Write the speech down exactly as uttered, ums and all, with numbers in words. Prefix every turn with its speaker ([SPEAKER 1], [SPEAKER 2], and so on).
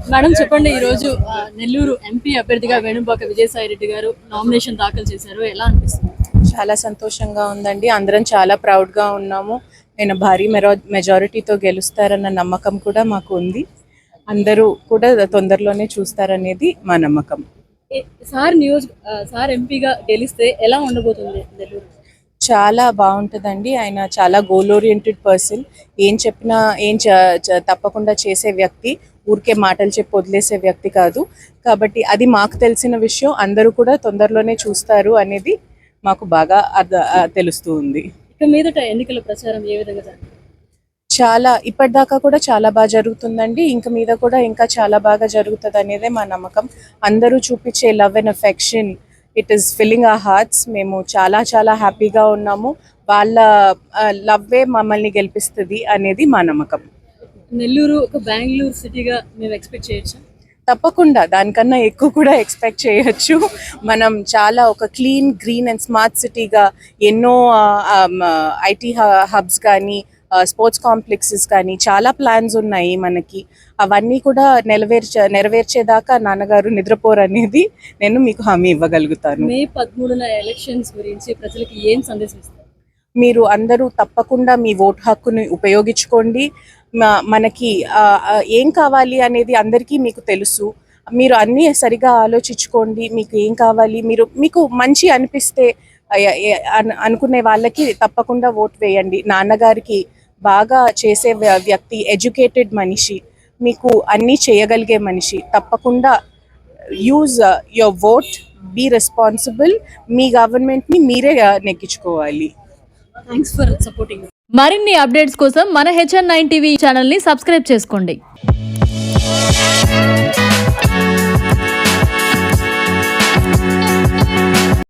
[SPEAKER 1] Madam చెప్పండి, ఈ రోజు నెల్లూరు ఎంపీ అభ్యర్థిగా వేణుగోపాల్ విజయసాయి రెడ్డి గారు నామినేషన్ దాఖలు చేశారు. ఎలా అనిపిస్తుంది?
[SPEAKER 2] చాలా సంతోషంగా ఉందండి. అందరం చాలా ప్రౌడ్గా ఉన్నాము. నేను భారీ మెరా మెజారిటీతో గెలుస్తారన్న నమ్మకం కూడా మాకు ఉంది. అందరూ కూడా తొందరలోనే చూస్తారనేది మా నమ్మకం.
[SPEAKER 1] సార్ న్యూస్ సార్ ఎంపీగా గెలిస్తే ఎలా ఉండబోతుంది నెల్లూరు?
[SPEAKER 2] చాలా బాగుంటుందండి. ఆయన చాలా గోల్ ఓరియంటెడ్ పర్సన్. ఏం చెప్పినా ఏం తప్పకుండా చేసే వ్యక్తి, ఊరికే మాటలు చెప్పి వదిలేసే వ్యక్తి కాదు. కాబట్టి అది మాకు తెలిసిన విషయం. అందరూ కూడా తొందరలోనే చూస్తారు అనేది మాకు బాగా అర్థ తెలుస్తూ ఉంది.
[SPEAKER 1] ఇక మీదట ఎన్నికల ప్రచారం ఏ విధంగా జరుగుతుంది?
[SPEAKER 2] చాలా ఇప్పటిదాకా కూడా చాలా బాగా జరుగుతుందండి. ఇంక మీద కూడా ఇంకా చాలా బాగా జరుగుతుంది అనేదే మా నమ్మకం. అందరూ చూపించే love and affection, it is filling our hearts. మేము చాలా చాలా హ్యాపీగా ఉన్నాము. వాళ్ళ లవ్వే మమ్మల్ని గెలిపిస్తుంది అనేది మా నమ్మకం.
[SPEAKER 1] నెల్లూరు ఒక బెంగళూరు సిటీగా మేము ఎక్స్పెక్ట్ చేయొచ్చు.
[SPEAKER 2] తప్పకుండా దానికన్నా ఎక్కువ కూడా ఎక్స్పెక్ట్ చేయొచ్చు. మనం చాలా ఒక క్లీన్, గ్రీన్ అండ్ స్మార్ట్ సిటీగా ఎన్నో ఐటీ హబ్స్ కానీ, స్పోర్ట్స్ కాంప్లెక్సెస్ కానీ చాలా ప్లాన్స్ ఉన్నాయి మనకి. అవన్నీ కూడా నెరవేర్చే నెరవేర్చేదాకా నాన్నగారు నిద్రపోరు అనేది నేను మీకు హామీ ఇవ్వగలుగుతాను.
[SPEAKER 1] మే పదమూడున ఎలక్షన్స్ గురించి ప్రజలకు ఏం సందేశం ఇస్తారు?
[SPEAKER 2] మీరు అందరూ తప్పకుండా మీ ఓటు హక్కుని ఉపయోగించుకోండి. మనకి ఏం కావాలి అనేది అందరికీ మీకు తెలుసు. మీరు అన్నీ సరిగా ఆలోచించుకోండి. మీకు ఏం కావాలి, మీరు మీకు మంచి అనిపిస్తే అనుకునే వాళ్ళకి తప్పకుండా ఓటు వేయండి. నాన్నగారికి బాగా చేసే వ్యక్తి, ఎడ్యుకేటెడ్ మనిషి, మీకు అన్నీ చేయగలిగే మనిషి. తప్పకుండా use your vote, be responsible. మీ గవర్నమెంట్ని మీరే నెగ్గించుకోవాలి.
[SPEAKER 1] Thanks for supporting.
[SPEAKER 3] మరిన్ని అప్డేట్స్ కోసం మన హెచ్ఎన్ నైన్ టీవీ ఛానల్ని సబ్స్క్రైబ్ చేసుకోండి.